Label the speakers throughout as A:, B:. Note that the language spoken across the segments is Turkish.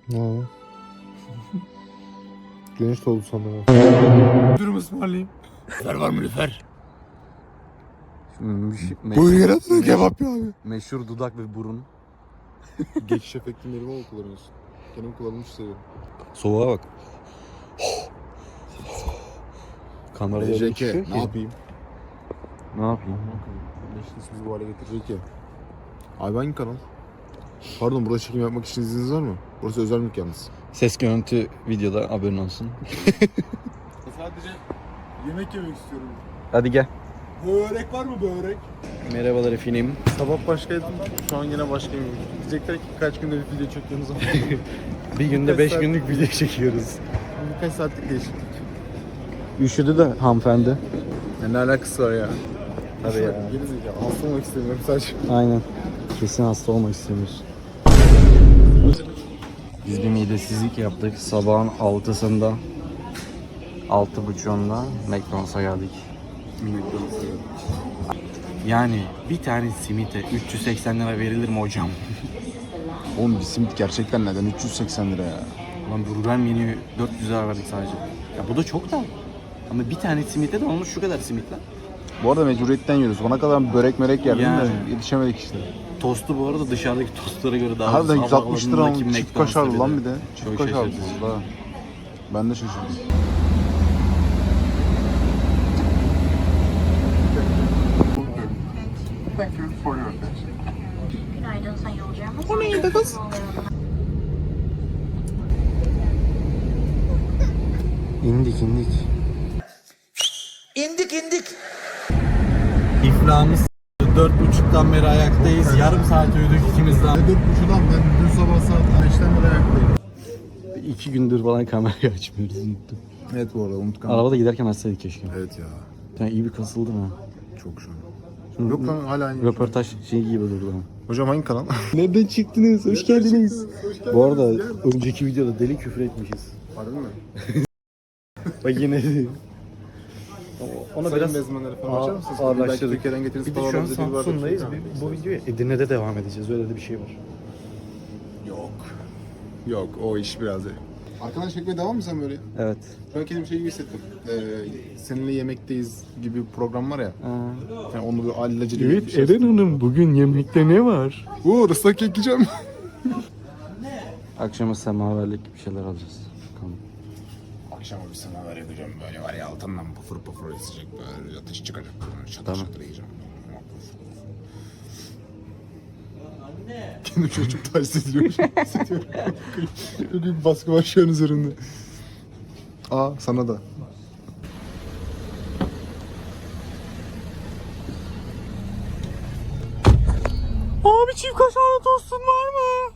A: Ha. Güneş doğdu sanırım.
B: Dürüm ısmarlayayım. Lüfer var mı lüfer?
A: Buyur yaratın kebap ya abi.
C: Meşhur dudak ve burun.
A: Geçiş efektinleri mi kullanıyorsun? Kendim kullanmış seviyorum.
C: Soğuğa bak. Kamerada öyle
A: JK
C: düşüyor ki.
A: ne yapayım?
C: Ne yapayım?
A: Leşiniz bizi bu hale getirecek ya. Abi hangi kanal? Pardon, burada çekim yapmak için izniniz var mı? Burası özel mülk yalnız.
C: Ses görüntü videoda haberin olsun.
A: Sadece yemek yemek istiyorum.
C: Hadi gel.
A: Börek var mı börek?
C: Merhabalar efendim.
A: Sabah başkaydım, şu an yine başkayım. Diyecekler ki kaç günde bir video çekiyorsunuz ama.
C: Bir günde 5 günlük video çekiyoruz.
A: Birkaç saatlik değişiklik.
C: Üşüdü de hanımefendi.
A: Ya ne alakası var ya?
C: Tabii ya.
A: Geri zekalı. Hasta olmak istemiyorum sadece.
C: Aynen. Kesin hasta olmak istemiyoruz. Biz bir midesizlik yaptık. Sabahın 6'sında 6.30'unda McDonald's'a geldik. Yani bir tane simite 380 lira verilir mi hocam?
A: Oğlum bir simit gerçekten neden 380 lira ya?
C: Lan burger menüyü 400 lira verdik sadece. Ya bu da çok da. Ama bir tane simite de olmuş şu kadar simit lan.
A: Bu arada mecburiyetten yiyoruz. Bana kadar börek merek yerdim
C: Yani.
A: de yetişemedik işte.
C: Tostu bu arada dışarıdaki tostlara göre daha
A: Harbiden
C: ucuz.
A: 160 lira ama
C: Havaalanındaki
A: çift
C: McDonald's'ta
A: kaşarlı lan bir de. Çift
C: Çok
A: kaşarlı
C: şaşırtıcı.
A: valla. Ben de şaşırdım.
D: Günaydın sayın yolcularımız. O neydi kız?
C: İndik.
B: İndik. İflahımız 4.30'dan beri ayaktayız. Yarım saat uyuduk ikimiz daha.
A: 4.30'dan ben dün sabah saat 5'ten beri ayaktayım.
C: 2 gündür falan kamerayı açmıyoruz, unuttum.
A: Evet bu arada unutkan.
C: Arabada giderken açsaydık keşke.
A: Evet ya.
C: Sen iyi bir kasıldın ha.
A: Çok şu an. Yok lan hala aynı.
C: Röportaj şey gibi durdu ama.
A: Hocam hangi kanal?
C: Nereden çıktınız? Hoş geldiniz. Bu arada önceki videoda deli küfür etmişiz.
A: Harbi mi?
C: Bak yine ona biraz
A: mezmenleri falan açar mısınız?
C: ağırlaştırdık.
A: Belki Türkiye'den getiririz.
C: Bir de şu an
A: Pahalı bir var.
C: Samsun'dayız. Bu videoya Edirne'de devam edeceğiz. Öyle de bir şey var.
A: Yok o iş biraz. Arkadan çekmeye devam mı sen böyle?
C: Evet.
A: Şu an kendimi şey gibi hissettim. Seninle yemekteyiz gibi bir program var ya. Yani onu bir allacı gibi bir şey.
C: Hanım bugün yemekte ne var?
A: Islak kek yiyeceğim.
C: Akşama semaverlik bir şeyler alacağız. Bakalım.
A: Akşama bir semaver yapacağım böyle var ya altından pufur pufur esecek böyle ateş çıkacak. Şatır
C: Tamam.
A: şatır yiyeceğim. Kendimi şöyle çok taciz ediliyorum. Hissediyorum. Böyle bir baskı var şu an üzerimde. Aa sana da.
C: Abi çift kaşarlı tostun var mı?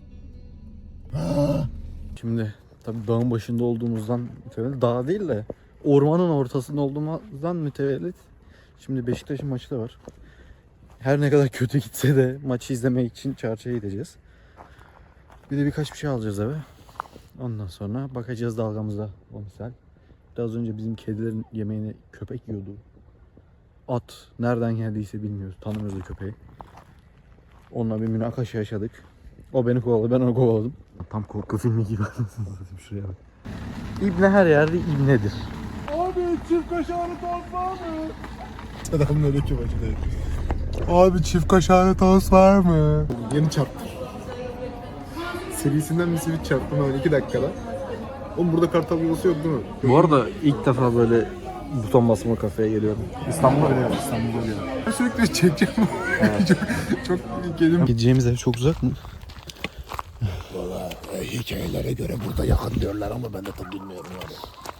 C: Şimdi tabii dağın başında olduğumuzdan mütevellit, dağ değil de ormanın ortasında olduğumuzdan mütevellit. Şimdi Beşiktaş'ın maçı da var. Her ne kadar kötü gitse de maçı izlemek için çarşıya gideceğiz. Bir de birkaç bir şey alacağız eve. Ondan sonra bakacağız dalgamıza o misal. Biraz önce bizim kedilerin yemeğini köpek yiyordu. At nereden geldiyse bilmiyoruz. Tanımıyoruz o köpeği. Onunla bir münakaşa yaşadık. O beni kovaladı, ben onu kovaladım. Tam korku filmi gibi anasını satayım, şuraya bak. İbne her yerde ibnedir.
A: Abi çift kaşarlı tost var mı? Selamünaleyküm hacı. Abi çift kaşarlı tost var mı? Yeni çarptır. Serisinden bir simit çarptım hemen 2 dakikada. Oğlum burada kartal yuvası yok değil mi?
C: Bu arada ilk defa böyle buton basma kafeye geliyorum.
A: İstanbul'da bile yok. İstanbul'da bile yok. Ben sürekli çekeceğim. çok gelim.
C: Gideceğimiz ev çok uzak mı?
B: Valla hikayelere göre burada yakın diyorlar ama ben de tam bilmiyorum yani.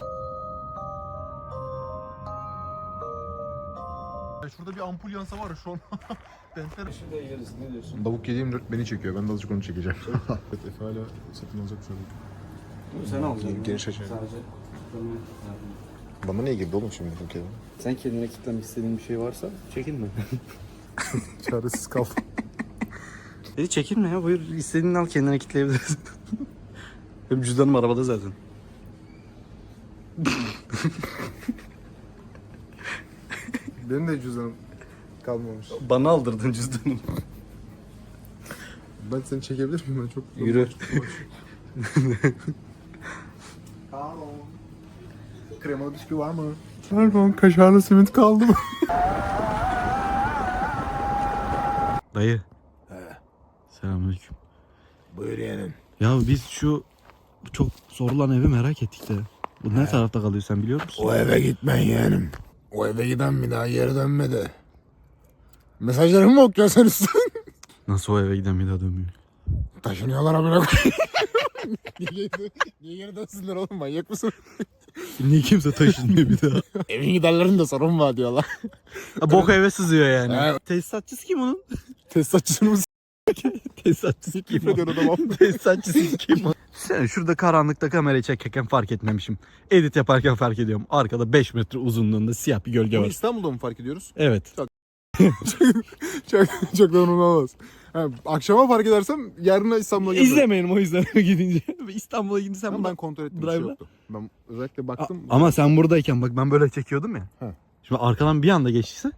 A: Şurada bir ampul yansa var ya şu an. Şimdi yeriz. Ne diyorsun? Davuk 7/24 beni çekiyor. Ben de azıcık onu çekeceğim. Evet Efe hala satın alacak şöyle.
C: Sen alacaksın.
A: Geniş açı.
C: Sadece.
A: Bana niye girdi oğlum şimdi bu kere?
C: Sen kendine kitlemek istediğin bir şey varsa çekinme.
A: Çaresiz kaldım.
C: Dedi çekinme ya, buyur istediğini al, kendine kitleyebilirsin. Benim cüzdanım arabada zaten.
A: Benim de cüzdanım kalmamış.
C: Bana aldırdın cüzdanımı.
A: Ben seni çekebilir miyim? Ben çok...
C: Yürü.
A: Pardon. Kremalı bisküvi var mı? Pardon, kaşarlı simit kaldı mı?
C: Dayı.
B: He.
C: Selamünaleyküm.
B: Buyur yeğenim.
C: Ya biz şu çok sorulan evi merak ettik de. Bu ne tarafta kalıyor sen biliyor musun?
B: O eve gitmen yeğenim. O eve giden bir daha geri dönmedi. Mesajlarımı mı okuyorsun üstüne?
C: Nasıl o eve giden bir daha dönmüyor?
B: Taşınıyorlar amına koyayım. Niye geri dönsünler oğlum, manyak mısın?
C: Niye kimse taşınmıyor bir daha?
B: Evin giderlerinde sorun var diyorlar.
C: Bok eve sızıyor yani.
B: Evet.
C: Tesisatçısı kim onun?
A: Tesisatçısını mı
C: Tesisatçısı kim o?
A: s***ediyor adamım?
C: Tesisatçısı kim o? Sen şurada karanlıkta kamerayı çekerken fark etmemişim. Edit yaparken fark ediyorum. Arkada 5 metre uzunluğunda siyah bir gölge
A: Bunu
C: var.
A: İstanbul'da mı fark ediyoruz?
C: Evet.
A: Çok da olmaz. Akşama fark edersem yarına İstanbul'a geldim.
C: İzlemeyelim o yüzden gidince. İstanbul'a gidince sen
A: Ben kontrol ettim, bir şey
C: Drive'la.
A: yoktu. Ben özellikle baktım.
C: Ama sen buradayken bak ben böyle çekiyordum ya.
A: He.
C: Şimdi arkadan bir anda geçtiyse.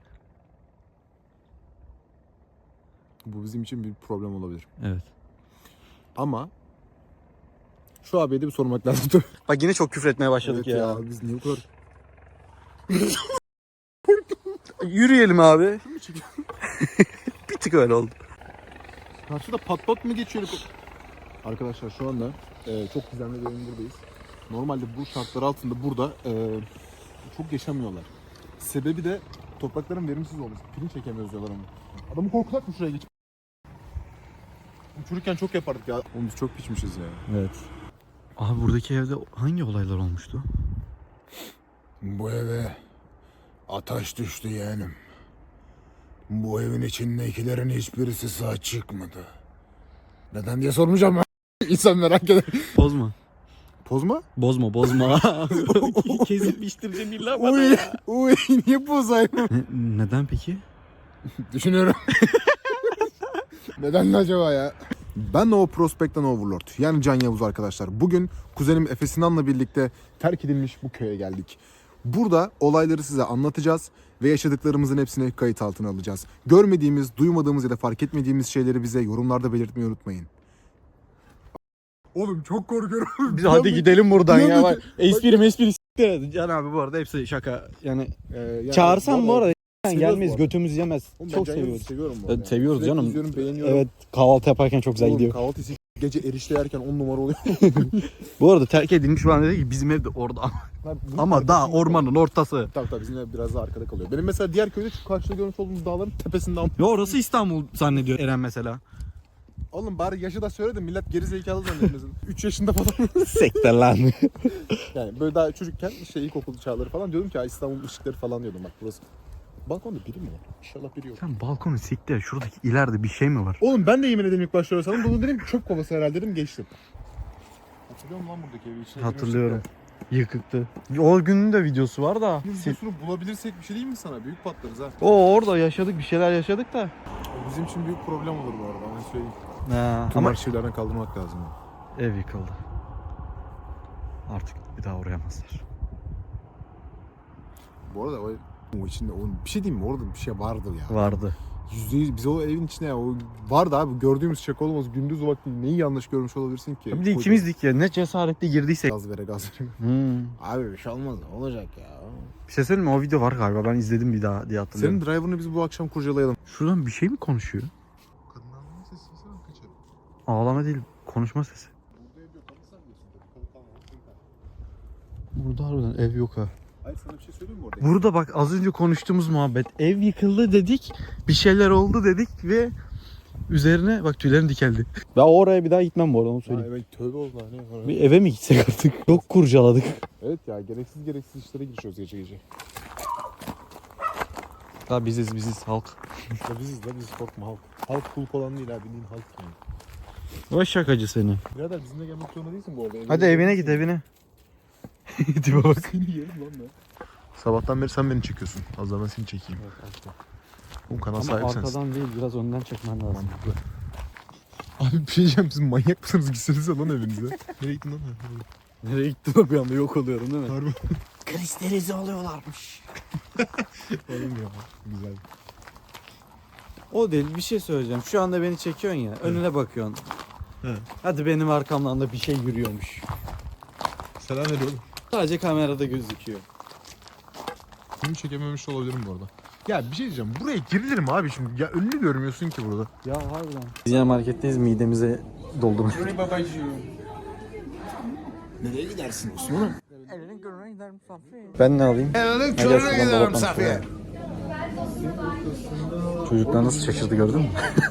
A: Bu bizim için bir problem olabilir.
C: Evet.
A: Ama şu abiye de bir sormak lazım.
C: Bak yine çok küfür etmeye başladık
A: Evet
C: ya.
A: Biz niye bu kadar...
C: Yürüyelim abi. Bir tık öyle oldu.
A: Karşıda pat pat mı geçiyor? Arkadaşlar şu anda çok gizemli bir evin buradayız. Normalde bu şartlar altında burada çok yaşamıyorlar. Sebebi de toprakların verimsiz olması. Pirinç ekemiyoruz diyorlar ama. Adamı korkulak mı şuraya geçip? Uçururken çok yapardık ya. Oğlum biz çok piçmişiz ya.
C: Evet. Abi buradaki evde hangi olaylar olmuştu?
B: Bu eve ateş düştü yeğenim. Bu evin içindekilerin hiçbirisi sağ çıkmadı. Neden diye sormayacağım ben. İnsan merak eder.
C: Bozma.
A: Pozma?
C: Bozma bozma. Kesip biçtireceğim illa bana
A: Uy,
C: ya.
A: uy niye pozayım?
C: Neden peki?
B: Düşünüyorum.
A: Neden acaba ya? Ben Nova Prospect'ten Overlord. Yani Can Yavuz arkadaşlar. Bugün kuzenim Efe Sinan'la birlikte terk edilmiş bu köye geldik. Burada olayları size anlatacağız ve yaşadıklarımızın hepsini kayıt altına alacağız. Görmediğimiz, duymadığımız ya da fark etmediğimiz şeyleri bize yorumlarda belirtmeyi unutmayın. Oğlum çok korkuyorum.
C: Biz hadi gidelim buradan ya. Bak,
A: Bak-
C: espri s**t. Can abi bu arada hepsi şaka. Yani çağırsan bu arada
A: seviyoruz
C: gelmeyiz,
A: bu arada.
C: götümüz yemez.
A: Oğlum ben
C: Çok
A: Can Yavuz'u
C: seviyoruz.
A: seviyorum bu
C: Evet,
A: arada.
C: seviyoruz
A: Sürekli
C: canım.
A: izliyorum, beğeniyorum.
C: Evet, kahvaltı yaparken çok güzel
A: Oğlum,
C: gidiyor.
A: kahvaltı gece erişte yerken 10 numara oluyor.
C: Bu arada terk edilmiş falan dedi ki bizim ev de orada. Ama daha ormanın ortası.
A: Tabii bizim ev biraz daha arkada kalıyor. Benim mesela diğer köyde şu karşıda görmüş olduğumuz dağların tepesinden.
C: Ya orası İstanbul zannediyor Eren mesela.
A: Oğlum bari yaşı da söyle de millet geri zekalı zannetmesin. 3 yaşında falan.
C: Sekte lan.
A: Yani böyle daha çocukken işte ilkokul çağları falan diyordum ki ya İstanbul ışıkları falan diyordum bak burası. Balkonda biri mi var? İnşallah biri yok.
C: Sen balkonu siktir. Şuradaki ileride bir şey mi var?
A: Oğlum ben de yemin ederim ilk başta öyle sandım. Bunu dedim çöp kovası herhalde dedim geçtim. Hatırlıyor musun lan buradaki evi? İçine
C: Hatırlıyorum. Yıkıktı. O günün de videosu var da.
A: girmiştik ya. Videosunu bulabilirsek bir şey değil mi sana? Büyük patlarız ha.
C: O orada yaşadık, bir şeyler yaşadık da.
A: O bizim için büyük problem olur bu arada. Ben söyleyeyim.
C: Ha,
A: Tüm
C: ama
A: arşivlerden kaldırmak lazım.
C: ev yıkıldı. Artık bir daha uğrayamazlar.
A: Bu arada o içinde bir şey diyeyim mi? Orada bir şey vardır ya.
C: Vardı.
A: %100 biz o evin içine ya o vardı abi gördüğümüz şaka olmaz gündüz vakti neyi yanlış görmüş olabilirsin ki?
C: Bir de ikimizdik ya, ne cesaretle girdiysek.
A: Gaz vere gaz vere.
B: Abi bir şey olmaz, olacak ya.
C: Bir şey söyleyeyim mi? O video var galiba. Ben izledim bir daha diye hatırlıyorum.
A: Senin driver'ını biz bu akşam kurcalayalım.
C: Şuradan bir şey mi konuşuyor?
A: Kadınların sesi kaçar.
C: Ağlama değil, konuşma sesi. Burada harbiden ev yok ha.
A: Hayır sana bir şey söyleyeyim mi orada?
C: Burada bak az önce konuştuğumuz muhabbet. Ev yıkıldı dedik, bir şeyler oldu dedik ve üzerine bak tüylerim dikeldi. Ben oraya bir daha gitmem bu arada, onu söyleyeyim.
A: Evet tövbe oldu hani.
C: Bir eve mi gitsek artık? Çok kurcaladık.
A: Evet ya gereksiz işlere girişiyoruz gece gece.
C: Ha biziz halk.
A: Ya biziz korkma halk. Halk kul olan değil abi bildiğin halk yani.
C: O şakacı seni.
A: Birader bizimle gelmek zorunda değilsin bu arada.
C: Hadi evine git evine. Tipe bak.
A: Seni yerim lan ben. Sabahtan beri sen beni çekiyorsun. Az daha ben seni çekeyim. Bu kanal
C: Ama
A: sahibi sensin.
C: arkadan değil, biraz önden çekmen lazım.
A: Mantıklı. Abi bir şey diyeceğim siz manyak mısınız? Gitsenize lan evinize. Nereye gittin lan?
C: Nereye gittin o bir anda yok oluyorum değil mi?
A: Harbi.
B: Kristerize oluyorlarmış.
A: Oğlum ya. Güzel.
C: O değil, bir şey söyleyeceğim. Şu anda beni çekiyorsun ya, önüne bakıyorsun. Hadi benim arkamdan da bir şey yürüyormuş.
A: Selam veriyorum.
C: Sadece kamerada gözüküyor.
A: Bunu çekememiş olabilirim bu arada. Ya bir şey diyeceğim. Buraya girilir mi abi şimdi? Ya önünü görmüyorsun ki burada.
C: Ya harbiden. Biz yine marketteyiz, midemize doldurmuş.
B: Nereye gidersin Osman'ım?
C: Ben ne alayım?
B: Elinin
C: Gel
B: körüne
C: şuradan
B: giderim
C: dolaptan
B: Safiye.
C: Çocuklar nasıl şaşırdı gördün mü?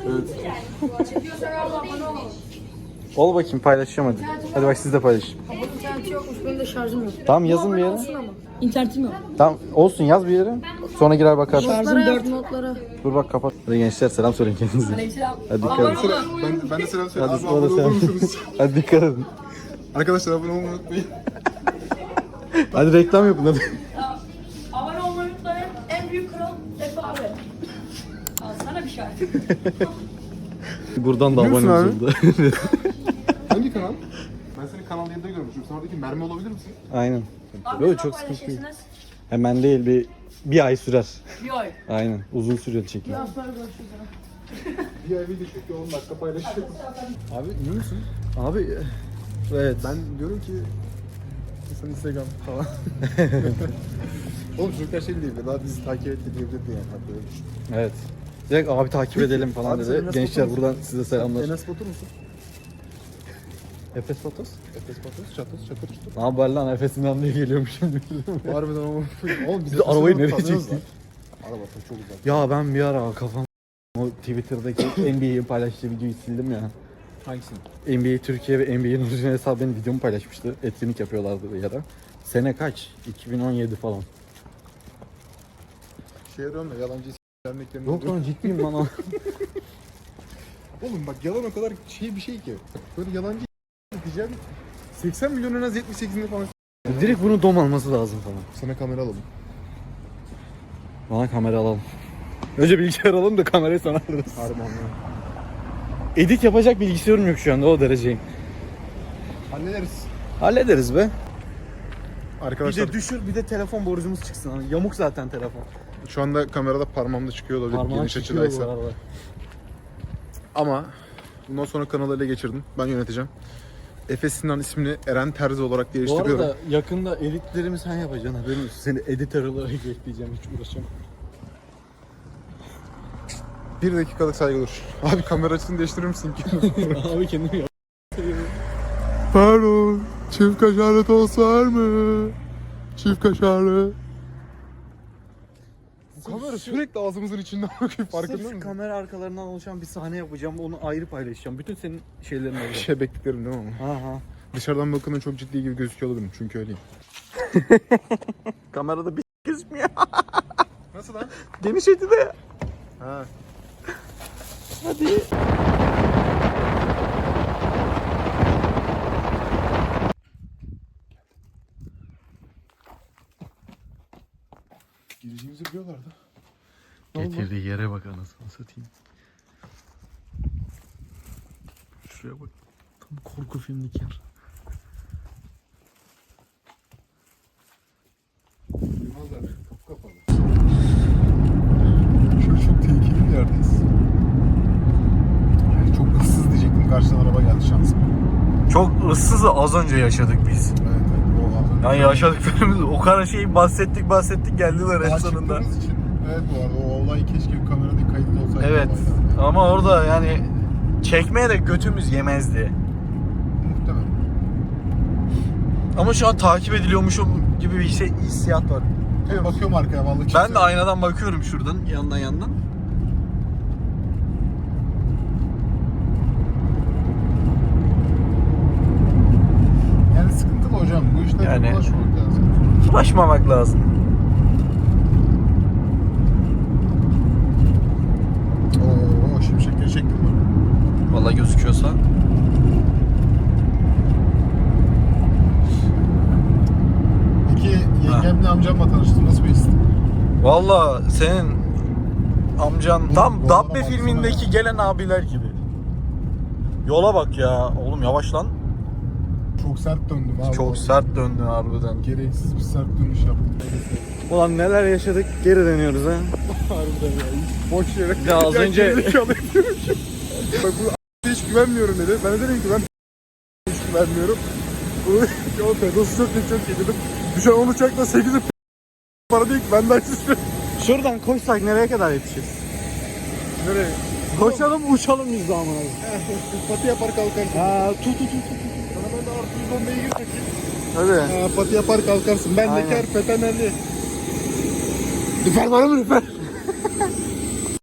C: Ol bakayım, paylaşacağım hadi. Hadi bak siz de paylaşın.
E: İnternet yokmuş, benim de şarjım yok.
C: Tamam yazın bir yere.
E: Olsun ama. İnternetim yok.
C: Tamam olsun, yaz bir yere. Sonra girer bakarsın.
E: Şarjım 4 notlara.
C: Dur bak kapat. Hadi gençler selam söyleyin kendinize.
E: Aleykümselam.
C: Hadi dikkat edin.
A: Ben de selam söyleyeyim.
C: Hadi
A: Abi
C: sonra
A: abone olur
C: sen.
A: musunuz?
C: Hadi dikkat edin.
A: Arkadaşlar abone olmayı unutmayın.
C: Hadi reklam yapın hadi.
E: Abone olmayı unutmayın. En büyük kral Efe abi. Al sana bir şarkı.
C: Buradan da
A: Biliyor musun
C: abone
A: abi?
C: oldu.
A: Hangi kanal? Ben seni Kanal 7'de görmüşüm. Sen oradaki mermi olabilir misin?
C: Aynen.
E: Abi
C: Böyle
E: ne
C: çok sıkıntı değil.
E: paylaşırsınız?
C: Hemen değil, bir ay sürer.
E: Bir ay.
C: Aynen. Uzun sürüyor çekim.
E: Biraz sonra görüşürüz.
A: Bir ay video çekiyor 10 dakika paylaşıyor. Abi biliyor musun?
C: Abi evet.
A: Ben diyorum ki sen Instagram falan. Oğlum çocuklar şey diyebilir. Daha bizi takip etti diyebilirdi yani. Hatta öyle düşün.
C: Evet. Direkt abi takip edelim falan
A: Abi sen
C: dedi.
A: Enes
C: Gençler
A: Batur
C: buradan size selamlar.
A: Enes Batur musun?
C: Efes Fotos.
A: Efes Batur, çatır çatır çatır.
C: Ne haber lan, Efes'inden diye geliyormuş şimdi.
A: Harbiden ama. Oğlum
C: Biz de arabayı nereye
A: tanıyoruz
C: çektik?
A: lan. Araba çok uzak.
C: Ya ben bir ara kafam o Twitter'daki NBA'yi paylaştığı videoyu sildim ya.
A: Hangisini?
C: NBA Türkiye ve NBA'nin orijinal hesabı benim videomu paylaşmıştı. Etkinlik yapıyorlardı bir ara. Sene kaç? 2017 falan.
A: Şey arıyorum da yalancı derneklerinde.
C: Yok lan ciddiyim lan o.
A: Oğlum bak yalan o kadar şey bir şey ki. Böyle yalancı diyeceğim. 80 milyon en az 78'inde falan.
C: Direkt bunu dom alması lazım falan.
A: Sana kamera alalım.
C: Bana kamera alalım. Önce bilgisayar alalım da kamerayı sana alırız.
A: Harbi anladım.
C: Edit yapacak bilgisayarım yok şu anda, o dereceyim.
A: Hallederiz.
C: Hallederiz be.
A: Arkadaşlar
C: Bir de düşür, bir de telefon borcumuz çıksın. Hani yamuk zaten telefon.
A: şu anda kamerada parmağımda çıkıyor olabilir
C: Parmağın
A: geniş
C: çıkıyor bu
A: açıdaysa.
C: arada.
A: Ama bundan sonra kanalı ele geçirdim. Ben yöneteceğim. Efe Sinan ismini Eren Terzi olarak
C: Bu
A: değiştiriyorum.
C: arada yakında editlerimi sen yapacaksın, haberin olsun. Seni editör olarak ekleyeceğim, hiç uğraşamam.
A: 1 dakikalık saygı dur. Abi kamera açısını değiştirir misin ki?
C: Abi kendimi yap.
A: Pardon. Çift kaşarlı tost var mı? Çift kaşarlı. Bu kamera sürekli ağzımızın içinden bakıyor. Farkında mısın?
C: Kamera arkalarından oluşan bir sahne yapacağım, onu ayrı paylaşacağım. Bütün senin şeylerin olacak.
A: Şebekliklerim değil mi ama?
C: Ha.
A: Dışarıdan bakımda çok ciddi gibi gözüküyor olabilirim. Çünkü öyleyim.
C: Kamerada bir gözükmüyor.
A: Nasıl lan?
C: Geniş açıda.
A: Ha.
C: Hadi.
A: Gireceğimizi biliyorlardı.
C: Getirdiği yere bak anasını satayım. Şuraya bak. Tam korku filmlik yer.
A: Bilmezler. Kapı kapalı. Şöyle çok tehlikeli bir yerdeyiz. Yani çok hırsız diyecektim. Karşıdan araba geldi şansım.
C: Çok ıssızı az önce yaşadık biz.
A: Evet evet. O az önce.
C: Yani yaşadıklarımız o kadar şeyi bahsettik geldiler en
A: Daha
C: sonunda.
A: çıktığımız için. Evet bu arada o olay keşke bir kamerada kayıtlı olsaydı.
C: Evet
A: olaylar.
C: ama orada yani çekmeye de götümüz yemezdi.
A: Muhtemelen.
C: Ama şu an takip ediliyormuşum gibi bir hissiyat var.
A: Ben bakıyorum arkaya vallahi.
C: Ben de aynadan bakıyorum şuradan yandan.
A: Yani sıkıntılı hocam. Bu işlere
C: Yani-
A: bulaşmamak lazım.
C: Bulaşmamak lazım.
A: Oo şimşekleri çektin mi?
C: Vallahi gözüküyorsa.
A: Peki yengemle amcamla tanıştın. Nasıl bir histi?
C: Vallahi senin amcan tam
A: yollara
C: Dabbe
A: baksana
C: filmindeki
A: ya.
C: gelen abiler gibi. Yola bak ya. Oğlum yavaş lan.
A: Çok sert döndüm abi.
C: Çok sert döndün harbiden.
A: Gereksiz bir sert dönüş yaptım.
C: Ulan neler yaşadık, geri dönüyoruz ha.
A: Harbiden ya. Boş yere.
C: Ya az önce-
A: gerizekalı yapıyormuşum. Bak bu hiç güvenmiyorum dedi. Ben de dedim ki ben hiç güvenmiyorum. O pedosu çok iyi, çok iyi dedim. Düşen 10 uçakla 8'i para değil ki ben de açmışım.
C: Şuradan koşsak nereye kadar yetişiriz?
A: Nereye?
C: Koşalım uçalım biz de ama.
A: Pati yapar kalkarsın.
C: Ha, tut.
A: Sana ben de artı 110 beygir takayım.
C: Hadi.
A: Pati yapar kalkarsın. Ben
C: Aynen.
A: de ker petenerli. Lüfer var mı lüfer?